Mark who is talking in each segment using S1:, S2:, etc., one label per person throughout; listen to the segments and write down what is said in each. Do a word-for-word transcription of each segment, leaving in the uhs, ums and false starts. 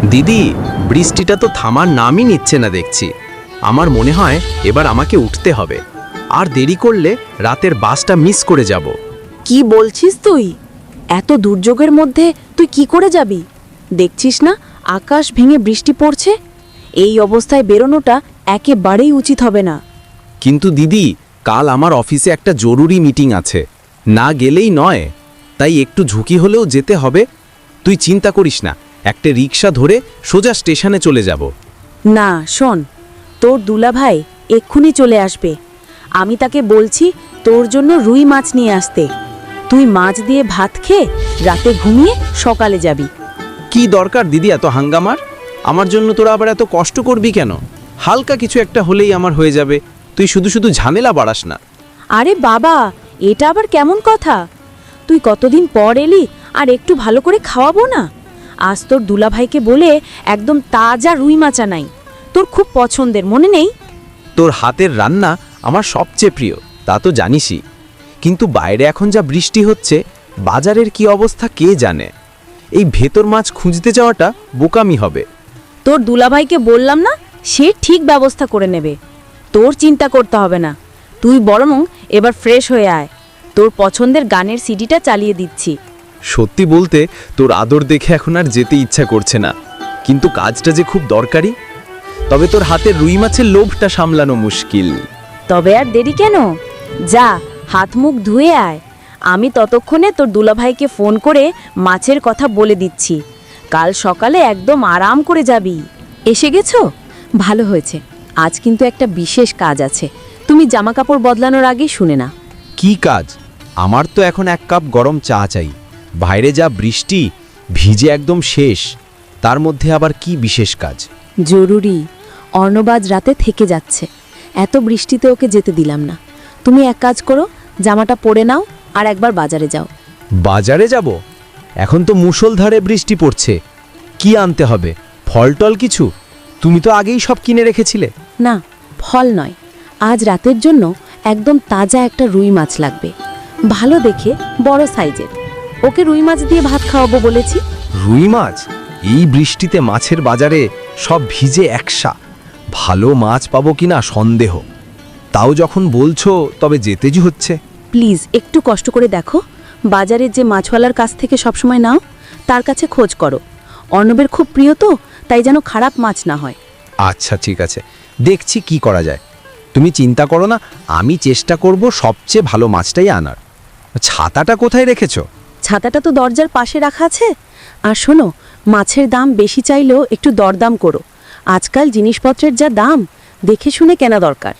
S1: দিদি, বৃষ্টিটা তো থামার নামই নিচ্ছে না দেখছি। আমার মনে হয় এবার আমাকে উঠতে হবে, আর দেরি করলে রাতের বাসটা মিস করে যাব।
S2: কি বলছিস তুই? এত দুর্যোগের মধ্যে তুই কি করে যাবি? দেখছিস না আকাশ ভেঙে বৃষ্টি পড়ছে। এই অবস্থায় বেরোনোটা একেবারেই উচিত হবে না।
S1: কিন্তু দিদি, কাল আমার অফিসে একটা জরুরি মিটিং আছে, না গেলেই নয়, তাই একটু ঝুঁকি হলেও যেতে হবে। তুই চিন্তা করিস না, একটা রিক্সা ধরে সোজা স্টেশনে চলে যাব।
S2: না শোন, তোর দুলাভাই এক্ষুনি চলে আসবে। আমি তাকে বলছি তোর জন্য রুই মাছ নিয়ে আসতে। তুই মাছ দিয়ে ভাত খেয়ে রাতে ঘুমিয়ে সকালে যাবি।
S1: কি দরকার দিদি এত হাঙ্গামার? আমার জন্য তোরা আবার এত কষ্ট করবি কেন? হালকা কিছু একটা হলেই আমার হয়ে যাবে। তুই শুধু শুধু ঝামেলা বাড়াস না।
S2: আরে বাবা, এটা আবার কেমন কথা? তুই কতদিন পর এলি, আর একটু ভালো করে খাওয়াবো না? আজ তোর দুলাভাইকে বলে একদম তাজা রুই মাছ আনাই, তোর খুব পছন্দের, মনে নেই?
S1: তোর হাতের রান্না আমার সবচেয়ে প্রিয়, তা তো জানিসই। কিন্তু বাইরে এখন যা বৃষ্টি হচ্ছে, বাজারের কি অবস্থা কে জানে। এই ভেতর মাছ খুঁজতে যাওয়াটা বোকামি হবে।
S2: তোর দুলাভাইকে বললাম না, সে ঠিক ব্যবস্থা করে নেবে। তোর চিন্তা করতে হবে না। তুই বরং এবার ফ্রেশ হয়ে আয়। তোর পছন্দের গানের সিডিটা চালিয়ে দিচ্ছি।
S1: সত্যি বলতে তোর আদর দেখে এখন আর যেতে ইচ্ছা করছে না, কিন্তু কাজটা যে খুব দরকারি। তবে তোর হাতের রুই মাছের লোভটা সামলানো মুশকিল।
S2: তবে আর দেরি কেন? যা, হাত মুখ ধুয়ে আয়। আমি ততক্ষণে তোর দুলাভাইকে ফোন করে মাছের কথা বলে দিচ্ছি। কাল সকালে একদম আরাম করে যাবি। এসে গেছো? ভালো হয়েছে। আজ কিন্তু একটা বিশেষ কাজ আছে, তুমি জামা কাপড় বদলানোর আগে শুনে না।
S1: কি কাজ? আমার তো এখন এক কাপ গরম চা চাই। বাইরে যা বৃষ্টি, ভিজে একদম শেষ। তার মধ্যে আবার কি বিশেষ কাজ?
S2: জরুরি। অর্ণবাজ রাতে থেকে যাচ্ছে, এত বৃষ্টিতে ওকে যেতে দিলাম না। তুমি এক কাজ করো, জামাটা পরে নাও আর একবার বাজারে যাও।
S1: বাজারে যাব? এখন তো মুষলধারে বৃষ্টি পড়ছে। কি আনতে হবে? ফলটল কিছু? তুমি তো আগেই সব কিনে রেখেছিলে।
S2: না, ফল নয়, আজ রাতের জন্য একদম তাজা একটা রুই মাছ লাগবে, ভালো দেখে, বড় সাইজের। ওকে রুই মাছ দিয়ে ভাত খাওয়াবো বলেছি।
S1: রুই মাছ? এই বৃষ্টিতে মাছের বাজারে সব ভিজে একসা। ভালো মাছ পাবো কিনা সন্দেহ। তাও যখন বলছো, তবে যেতেই হচ্ছে।
S2: প্লিজ একটু কষ্ট করে দেখো, বাজারের যে মাছওয়ালার কাছ থেকে সবসময় নাও, তার কাছে খোঁজ করো। অর্ণবের খুব প্রিয় তো, তাই যেন খারাপ মাছ না হয়।
S1: আচ্ছা ঠিক আছে, দেখছি কি করা যায়। তুমি চিন্তা করো না, আমি চেষ্টা করব সবচেয়ে ভালো মাছটাই আনার। ছাতাটা কোথায় রেখেছো?
S2: ছাতাটা তো দরজার পাশে রাখা আছে। আর শোনো, মাছের দাম বেশি চাইলেও একটু দরদাম করো। আজকাল জিনিসপত্রের যা দাম, দেখে শুনে কেনা দরকার।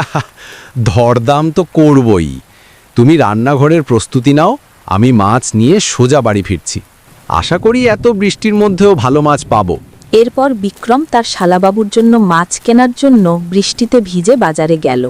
S1: দরদাম তো করবই। তুমি রান্নাঘরের প্রস্তুতি নাও, আমি মাছ নিয়ে সোজা বাড়ি ফিরছি। আশা করি এত বৃষ্টির মধ্যেও ভালো মাছ পাবো।
S2: এরপর বিক্রম তার শালাবাবুর জন্য মাছ কেনার জন্য বৃষ্টিতে ভিজে বাজারে গেল।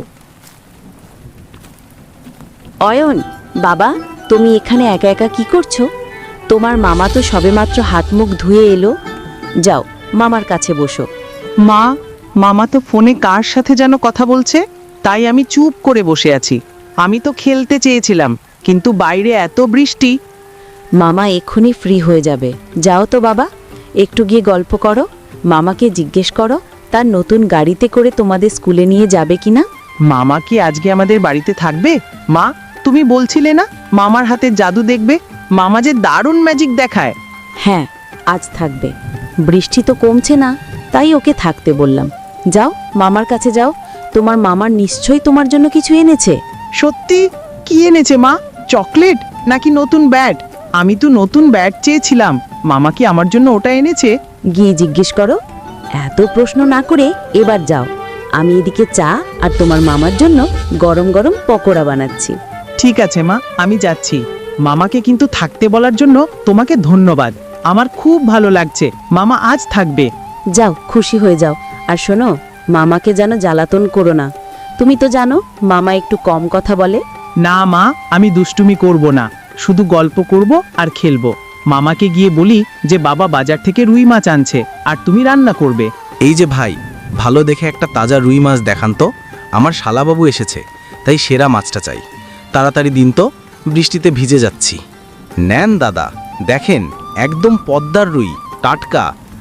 S2: অয়ন, বাবা, তুমি এখানে একা একা কি করছো? তোমার মামা তো সবেমাত্র হাত মুখ ধুয়ে এলো। যাও, মামার কাছে বসো।
S3: মা, মামা তো ফোনে কার সাথে যেন কথা বলছে, তাই আমি চুপ করে বসে আছি। আমি তো খেলতে চেয়েছিলাম, কিন্তু বাইরে এত বৃষ্টি।
S2: মামা এক্ষুনি ফ্রি হয়ে যাবে। যাও তো বাবা, একটু গিয়ে গল্প করো। মামাকে জিজ্ঞেস করো তার নতুন গাড়িতে করে তোমাদের স্কুলে নিয়ে যাবে কিনা।
S3: মামা কি আজকে আমাদের বাড়িতে থাকবে? মা, তুমি বলছিলে না মামার হাতে জাদু দেখবে? মামা যে দারুণ ম্যাজিক দেখায়।
S2: হ্যাঁ, আজ থাকবে। বৃষ্টি তো কমছে না, তাই ওকে থাকতে বললাম। যাও, মামার কাছে যাও। তোমার মামার নিশ্চয়ই তোমার জন্য কিছু এনেছে।
S3: সত্যি? কি এনেছে মা? চকলেট নাকি নতুন ব্যাট? আমি তো নতুন ব্যাট চেয়েছিলাম, মামা কি আমার জন্য ওটা এনেছে?
S2: গিয়ে জিজ্ঞেস করো। এত প্রশ্ন না করে এবার যাও। আমি এদিকে চা আর তোমার মামার জন্য গরম গরম পকোড়া বানাচ্ছি।
S3: ঠিক আছে মা, আমি যাচ্ছি। মামাকে কিন্তু থাকতে বলার জন্য তোমাকে ধন্যবাদ। আমার খুব ভালো লাগছে, মামা আজ থাকবে।
S2: যাও, খুশি হয়ে যাও। আর শোনো, মামাকে যেন জ্বালাতন করো না। তুমি তো জানো মামা একটু কম কথা বলে।
S3: না মা, আমি দুষ্টুমি করব না, শুধু গল্প করব আর খেলবো। মামাকে গিয়ে বলি যে বাবা বাজার থেকে রুই মাছ আনছে আর তুমি রান্না করবে।
S1: এই যে ভাই, ভালো দেখে একটা তাজা রুই মাছ দেখান তো। আমার শালাবাবু এসেছে, তাই সেরা মাছটা চাই। তাড়াতাড়ি দিন তো, বৃষ্টিতে ভিজে যাচ্ছি। নেন দাদা, দেখেন, একদম পদ্মার রুই, টাটকা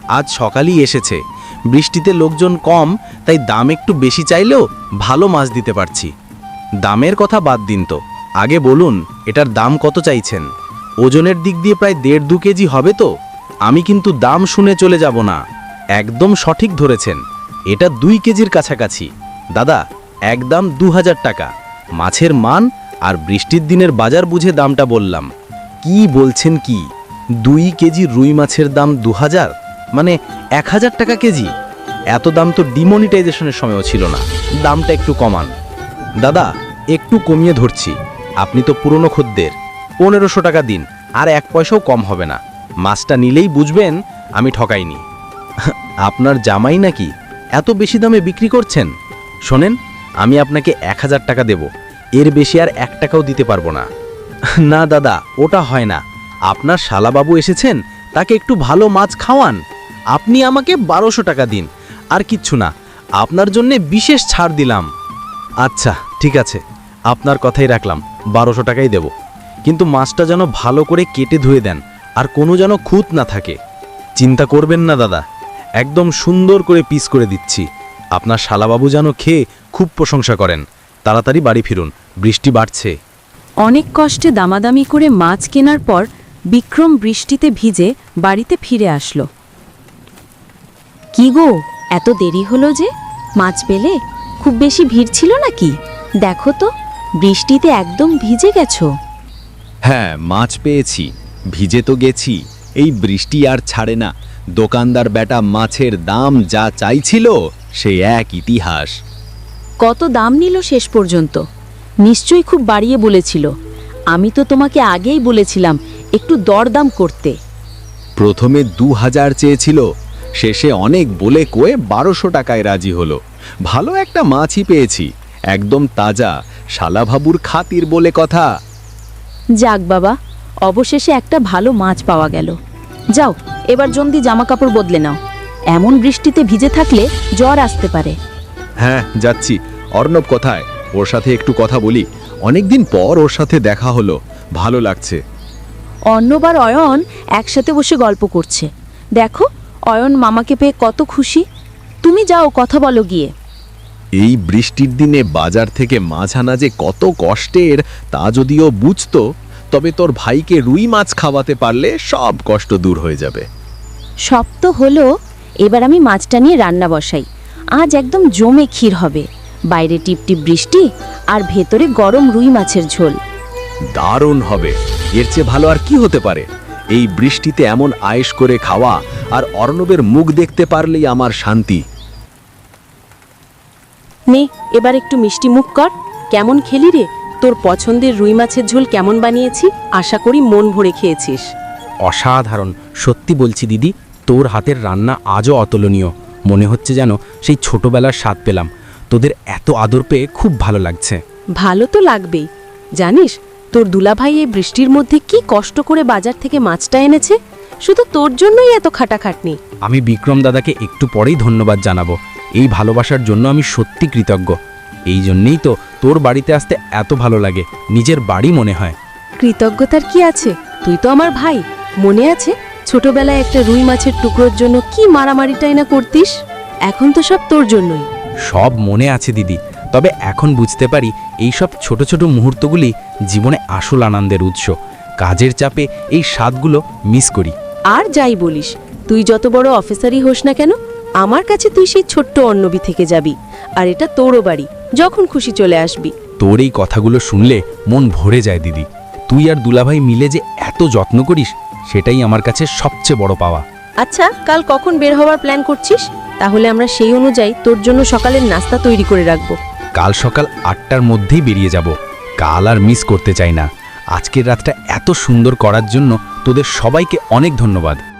S1: আজ সকালেই এসেছে। বৃষ্টিতে লোকজন কম, তাই দাম একটু বেশি চাইলেও ভালো মাছ দিতে পারছি। দামের কথা বাদ দিন তো, আগে বলুন এটার দাম কত চাইছেন? ওজনের দিক দিয়ে প্রায় দেড় দু কেজি হবে তো। আমি কিন্তু দাম শুনে চলে যাব না, একদম সঠিক ধরেছেন। এটা দুই কেজির কাছাকাছি। দাদা, একদম দু হাজার টাকা। মাছের মান আর বৃষ্টির দিনের বাজার বুঝে দামটা বললাম। কি বলছেন কি? দুই কেজি রুই মাছের দাম দু হাজার, মানে এক হাজার টাকা কেজি? এত দাম তো ডিমনিটাইজেশনের সময়ও ছিল না। দামটা একটু কমান। দাদা, একটু কমিয়ে ধরছি, আপনি তো পুরনো খদ্দের। পনেরোশো টাকা দিন, আর এক পয়সাও কম হবে না। মাছটা নিলেই বুঝবেন আমি ঠকাইনি। আপনার জামাই নাকি এত বেশি দামে বিক্রি করছেন? শোনেন, আমি আপনাকে এক হাজার টাকা দেব, এর বেশি আর এক টাকাও দিতে পারবো না। না দাদা, ওটা হয় না। আপনার শালাবাবু এসেছেন, তাকে একটু ভালো মাছ খাওয়ান। আপনি আমাকে বারোশো টাকা দিন, আর কিচ্ছু না। আপনার জন্যে বিশেষ ছাড় দিলাম। আচ্ছা ঠিক আছে, আপনার কথাই রাখলাম, বারোশো টাকাই দেব। কিন্তু মাছটা যেন ভালো করে কেটে ধুয়ে দেন, আর কোনো যেন খুঁত না থাকে। চিন্তা করবেন না দাদা, একদম সুন্দর করে পিস করে দিচ্ছি। আপনার শালাবাবু যেন খেয়ে খুব প্রশংসা করেন। তাড়াতাড়ি বাড়ি ফিরুন, বৃষ্টি বাড়ছে।
S2: অনেক কষ্টে দামাদামি করে মাছ কেনার পর বিক্রম বৃষ্টিতে ভিজে বাড়িতে ফিরে আসলো। কি গো, এত দেরি হলো যে? মাছ পেলে? খুব বেশি ভিড় ছিল নাকি? দেখো তো, বৃষ্টিতে একদম ভিজে গেছো।
S4: হ্যাঁ, মাছ পেয়েছি, ভিজে তো গেছি। এই বৃষ্টি আর ছাড়ে না। দোকানদার বেটা মাছের দাম যা চাইছিল সে এক ইতিহাস।
S2: কত দাম নিল শেষ পর্যন্ত? নিশ্চয়ই খুব বাড়িয়ে বলেছিল। আমি তো তোমাকে আগেই বলেছিলাম একটু দরদাম করতে।
S4: প্রথমে দু হাজার চেয়েছিল, শেষে অনেক বলে কয়ে বারোশো টাকায় রাজি হলো। ভালো একটা মাছই পেয়েছি, একদম তাজা, শালাভাবুর খাতির বলে কথা।
S2: যাক বাবা, অবশেষে একটা ভালো মাছ পাওয়া গেল। যাও, এবার জলদি জামা কাপড় বদলে নাও। এমন বৃষ্টিতে ভিজে থাকলে জ্বর আসতে পারে।
S4: হ্যাঁ যাচ্ছি। অর্ণব কোথায়? ওর সাথে একটু কথা বলি। অনেকদিন পর ওর সাথে দেখা হলো, ভালো লাগছে।
S2: অর্ণব আর অয়ন একসাথে বসে গল্প করছে। দেখো, অয়ন মামাকে পেয়ে কত খুশি। তুমি যাও, কথা বলো গিয়ে।
S4: এই বৃষ্টির দিনে বাজার থেকে মাছ আনা যে কত কষ্টের তা যদিও বুঝতো, তবে তোর ভাইকে রুই মাছ খাওয়াতে পারলে সব কষ্ট দূর হয়ে যাবে।
S2: সব তো হলো, এবার আমি মাছটা নিয়ে রান্না বসাই। আজ একদম জমে ক্ষীর হবে। বাইরে টিপটিপ বৃষ্টি আর ভেতরে গরম রুই মাছের ঝোল।
S4: দারুণ হবে, এর চেয়ে ভালো আর কি হতে পারে? এই বৃষ্টিতে এমন আয়েশ করে খাওয়া আর অর্ণবের মুখ দেখতে পারলেই আমার শান্তি।
S2: নে, এবার একটু মিষ্টি মুখ কর। কেমন খেলি রে? তোর পছন্দের রুই মাছের ঝোল কেমন বানিয়েছি? আশা করি মন ভরে খেয়েছিস।
S5: অসাধারণ, সত্যি বলছি দিদি, তোর হাতের রান্না আজও অতুলনীয়। মনে হচ্ছে যেন সেই ছোটবেলার স্বাদ পেলাম। তোদের এত আদর পেয়ে খুব ভালো লাগছে।
S2: ভালো তো লাগবেই। জানিস, তোর দুলাভাই এই বৃষ্টির মধ্যে কি কষ্ট করে বাজার থেকে মাছটা এনেছে? শুধু তোর জন্যই এত খাটাখাটনি।
S5: আমি বিক্রম দাদাকে একটু পরেই ধন্যবাদ জানাবো। এই ভালোবাসার জন্য আমি সত্যি কৃতজ্ঞ। এই জন্যেই তো তোর বাড়িতে আসতে এত ভালো লাগে, নিজের বাড়ি মনে হয়।
S2: কৃতজ্ঞতার কি আছে? তুই তো আমার ভাই। মনে আছে ছোটবেলায় একটা রুই মাছের টুকরোর জন্য কি মারামারিটাই না করতিস? এখন তো সব তোর জন্যই।
S5: সব মনে আছে দিদি, তবে এখন বুঝতে পারি এই সব ছোট ছোট মুহূর্তগুলি জীবনে আসল আনন্দের উৎস। কাজের চাপে এই স্বাদগুলো মিস করি।
S2: আর যাই বলিস, তুই যত বড় অফিসারই হোস না কেন, আমার কাছে তুই সেই ছোট্ট অন্নবী থেকে যাবি। আর এটা তোরও বাড়ি, যখন খুশি চলে আসবি।
S5: তোর এই কথাগুলো শুনলে মন ভরে যায় দিদি। তুই আর দুলাভাই মিলে যে এত যত্ন করিস, সেটাই আমার কাছে সবচেয়ে বড় পাওয়া।
S2: আচ্ছা, কাল কখন বের হওয়ার প্ল্যান করছিস? তাহলে আমরা সেই অনুযায়ী তোর জন্য সকালের নাস্তা তৈরি করে রাখবো।
S5: কাল সকাল আটটার মধ্যেই বেরিয়ে যাব। কাল আর মিস করতে চাই না। আজকের রাতটা এত সুন্দর করার জন্য তোদের সবাইকে অনেক ধন্যবাদ।